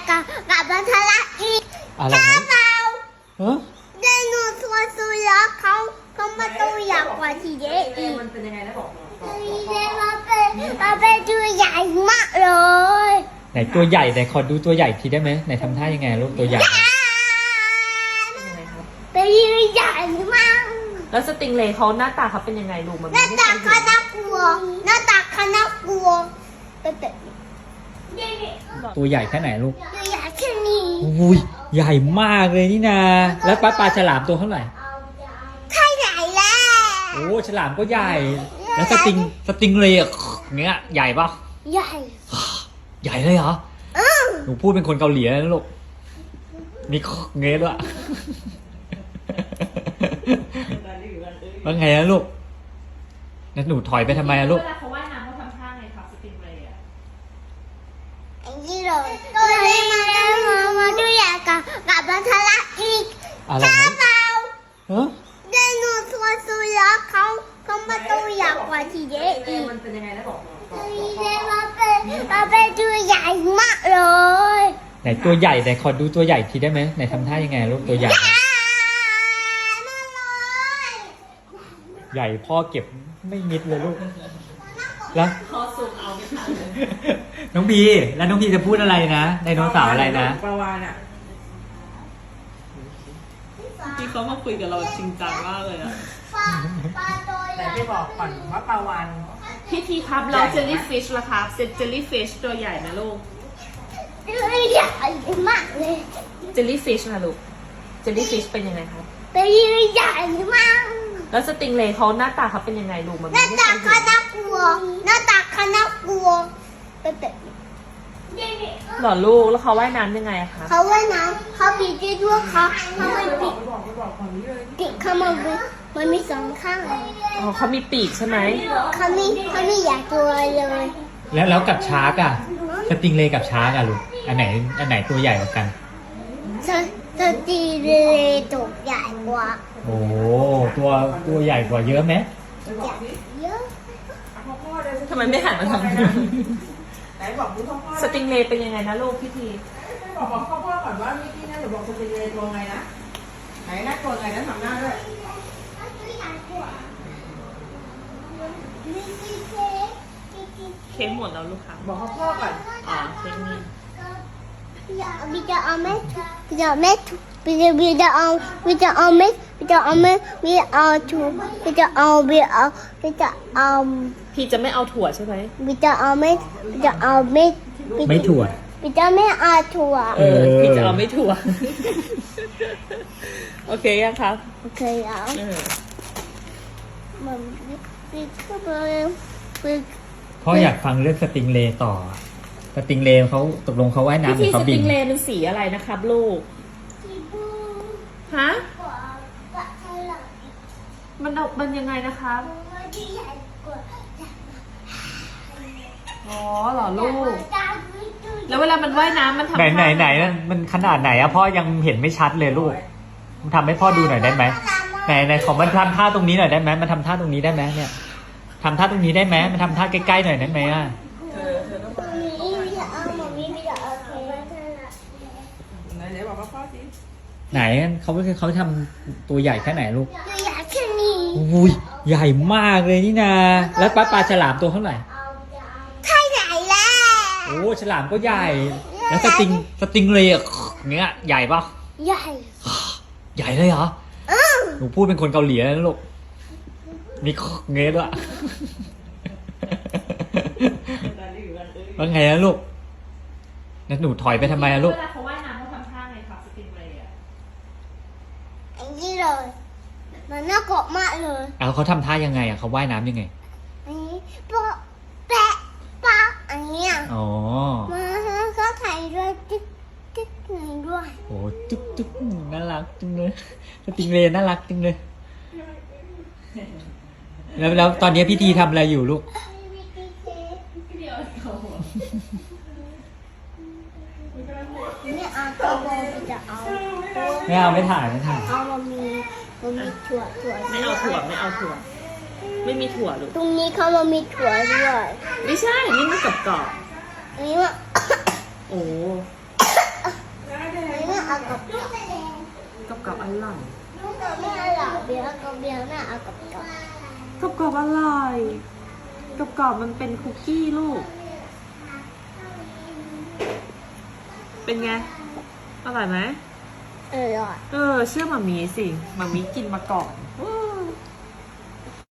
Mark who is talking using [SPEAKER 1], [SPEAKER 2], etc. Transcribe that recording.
[SPEAKER 1] กับพัทละอีก
[SPEAKER 2] อะไร
[SPEAKER 1] ถ้า
[SPEAKER 2] นะ
[SPEAKER 1] เรา
[SPEAKER 2] ฮะ
[SPEAKER 1] ไดโนเสาร์สุยักษ์เขามาตัวใหญ่กว่าทีเดียวอีก
[SPEAKER 3] มันเป็นยังไงนะบอก
[SPEAKER 1] ทีเดียวมันเป็นตัวใหญ่มากเลย
[SPEAKER 2] ไหนตัวใหญ่ไหนขอดูตัวใหญ่ทีได้ไหมไหนทำท่ายังไงลูกตัวใหญ่
[SPEAKER 3] ยังไงครับ
[SPEAKER 1] เป็นตัวใหญ่มาก
[SPEAKER 3] แล้วสติงเลย์เขาหน้าตาเขาเป็นยังไงดูมัน
[SPEAKER 1] หน้าตาเขาน่ากลัวหน้าตาเขาน่ากลัวเป็นแบบนี้
[SPEAKER 2] ตัวใหญ่แค่ไหนลูก
[SPEAKER 1] ตัวใหญ่แค่นี้
[SPEAKER 2] อุ้ยใหญ่มากเลยนี่นาแล้วปลาฉลามตัวเท่าไหร่
[SPEAKER 1] ใช่ไหนแล้ว
[SPEAKER 2] โอ้ฉลามก็ใหญ่ แล้วสติงเลยอะเงี้ยใหญ่ปะ
[SPEAKER 1] ใหญ่
[SPEAKER 2] ใหญ่เลยเหรอหนูพูดเป็นคนเกาหลีนะลูกมีเงี้ยด้วยว่าไงนะลูกแล้วหนูถอยไปทำไมอะลูก
[SPEAKER 3] เวลาเขาว่ายน้ำเขาทำท่าไงครับสติงเลย์อะ
[SPEAKER 1] ไอ้นี่เลยตัวนี้มาตัวใหญ่กับพัทละอีก
[SPEAKER 2] อะไร
[SPEAKER 1] ถ้า
[SPEAKER 2] นะ
[SPEAKER 1] เรา
[SPEAKER 2] ฮะ
[SPEAKER 1] ไดโนเสาร์สุยักษ์เขามาตัวใหญ่กว่าทีเดียวอีก
[SPEAKER 3] มันเป็นยังไงนะบอก
[SPEAKER 1] ทีเดียวมันเป็นตัวใหญ่มากเลย
[SPEAKER 2] ไหนตัวใหญ่ไหนขอดูตัวใหญ่ทีได้ไหมไหนทำท่ายังไงลูกตัวใหญ่ ใหญ่พ่อเก็บไม่มิดเลยลูกแล้ว
[SPEAKER 3] พอซูมเอาไม่ทันเลย
[SPEAKER 2] น้องบีแล้วน้องบีจะพูดอะไรนะไดโนเสาร์อะไรนะ
[SPEAKER 3] ปลาวานอ่ะที่เขามาคุยกับเราจริงจังมากเลยอ่ะ
[SPEAKER 4] แต่ที่บอกก่อนว่าปลาวาน
[SPEAKER 3] พี่ทีครับเราเจลลี่ฟิชล่ะครับเจลลี่ฟิชตัวใหญ่นะลูก
[SPEAKER 1] ตัวใหญ่มากเลย
[SPEAKER 3] เจลลี่ฟิชนะลูกเจลลี่ฟิชเป็นยังไงครับ
[SPEAKER 1] เป็นตัวใหญ่มาก
[SPEAKER 3] แล้วสติงเลย์เขาหน้าตาเขาเป็นยังไงดูมัน
[SPEAKER 1] หน้า
[SPEAKER 3] ไม่
[SPEAKER 1] ตา
[SPEAKER 3] เคย
[SPEAKER 1] เขา
[SPEAKER 3] เห็น
[SPEAKER 1] น่ากลัวหน้าตาเขาน่ากลัวเป็นแบบนี้
[SPEAKER 3] หรอลูกแล้วเขาว่ายน้ำยังไงอะคะ
[SPEAKER 1] เขาว่ายน้ำเขาปีกได้ด้วยเขาไม่ปีกปีกเขามันมีสองข้าง
[SPEAKER 3] อ๋อเขามีปีกใช่ไหม
[SPEAKER 1] เขาไม่อยากตัวเลย
[SPEAKER 2] แล้วกับชาร์กอะสติงเลย์กับชาร์กอะลูกอันไหนตัวใหญ่กว่ากัน
[SPEAKER 1] สตีเลยตัวใหญ่กว่า
[SPEAKER 2] โอ้ตัวใหญ่กว่าเยอะไหม
[SPEAKER 1] ใหญ่เยอะ
[SPEAKER 3] ทำไมไม่หันมาทางนี้
[SPEAKER 4] ไหนบอกดูพ่อพ่อ
[SPEAKER 3] สติงเลย์เป็นยังไงนะลูกพี่ที
[SPEAKER 4] บอกพ่อพ่อก่อนว่ามิกกี้นะหรือบอกสติงเลยตัวไงนะไหนหน้าตัวไงนะทำหน้าด้วย
[SPEAKER 3] เค้กหมดแล้วลูกค่ะ
[SPEAKER 4] บอกพ่อก่อน
[SPEAKER 3] อ๋อเค้กนี่
[SPEAKER 1] พี่จะเอาเม็ดพี่จะเอาเม็ดพี่จะเอาเม็ดพี่จะเอาถูพี่จะเอา
[SPEAKER 3] พี่จะไม่เอาถั่วใช่ไหม
[SPEAKER 1] พี่จะเอาเม็ดพี่จะเอาเม็ด
[SPEAKER 2] ไม่ถั่ว
[SPEAKER 1] พี่จะไม่เอาถั่ว
[SPEAKER 3] พี่จะเอาไม่ถั่ว โอเคยังครับ
[SPEAKER 1] โอเคแล้ว มันพี่ก็พี่
[SPEAKER 2] พ่ออยากฟังเรื่องสติงเลย์ต่อสติงเลย์เขาตกลงเขาว่ายน้ำหรื
[SPEAKER 3] พี่
[SPEAKER 2] อ
[SPEAKER 3] ส
[SPEAKER 2] เขาบิ
[SPEAKER 3] ติ
[SPEAKER 2] น
[SPEAKER 3] งเลย์มันสีอะไรนะครับลูก ฮะ มันยังไงนะครับ อ๋อเหรอลูก แล้วเวลามันว่ายน้ำมันทำ
[SPEAKER 2] ไหนมันขนาดไหนอะพ่อยังเห็นไม่ชัดเลยลูกทำให้พ่อดูหน่อยได้ไหมไหนขอมันทำท่าตรงนี้หน่อยได้ไหมมันทำท่าตรงนี้ได้ไหมเนี่ยทำท่าตรงนี้ได้ไหมมันทำท่าใกล้ๆหน่อยได้ไหมอะ
[SPEAKER 4] ไหนบอกพ่อสิ
[SPEAKER 2] ไหนเขาทำตัวใหญ่แค่ไหนลูก
[SPEAKER 1] ตัวใหญ่แค่นี้
[SPEAKER 2] อุ้ยใหญ่มากเลยนี่นาแล้วปลาฉลามตัวเท่าไหร่
[SPEAKER 1] ใช่ไหนแล้ว
[SPEAKER 2] โอ้ฉลามก็ใหญ่ แล้วสติงเลยอะเงี้ยใหญ่ปะ
[SPEAKER 1] ใหญ่
[SPEAKER 2] ใหญ่เลยเหรอหนูพูดเป็นคนเกาหลีนะลูกมีเงี้ยด้วยว่าไงนะลูกแล้วหนูถอยไปทำไมอะลูก
[SPEAKER 3] เวลาเขาว่ายน้ำเขาทำท่าไงครับสติงเลย์อะ
[SPEAKER 1] ไอ้นี่เลยมันน่ากลัวมากเลย
[SPEAKER 2] เอาเขาทำท่ายังไงอะเขาว่ายน้ำยังไง
[SPEAKER 1] อันนี้ปะแปะปะอันเนี้ย
[SPEAKER 2] อ๋อ
[SPEAKER 1] มาก็ไข่ด้วยติ๊กหนึ่งด้วย
[SPEAKER 2] โอ้จุ๊บน่ารักจังเลยสติงเลยน่ารักจังเลยแล้วตอนนี้พี่ทีทำอะไรอยู่ลูก
[SPEAKER 1] ไม่เอาตัวโบจะเอา
[SPEAKER 2] ไม่ถ่าย
[SPEAKER 1] เอามันมีถั่ว
[SPEAKER 3] ไม่เอาถั่ว ไม่มีถั่วลูก
[SPEAKER 1] ตรงนี้เขามันมีถั่วด้วย
[SPEAKER 3] ไม่ใช่ นี่มันกรอบ
[SPEAKER 1] อันนี้ว่า
[SPEAKER 3] ๆโอ้อร่อย
[SPEAKER 1] ไม่อร่อยเบียร์กับเบียร์น่าเอากับกับ
[SPEAKER 3] กรอบๆอร่อยกรอบๆมันเป็นคุกกี้ลูก เป็นไง อร่อยไหม
[SPEAKER 1] อร่อย
[SPEAKER 3] เชื่อหมามีสิหมามีกินมาก่อนว้า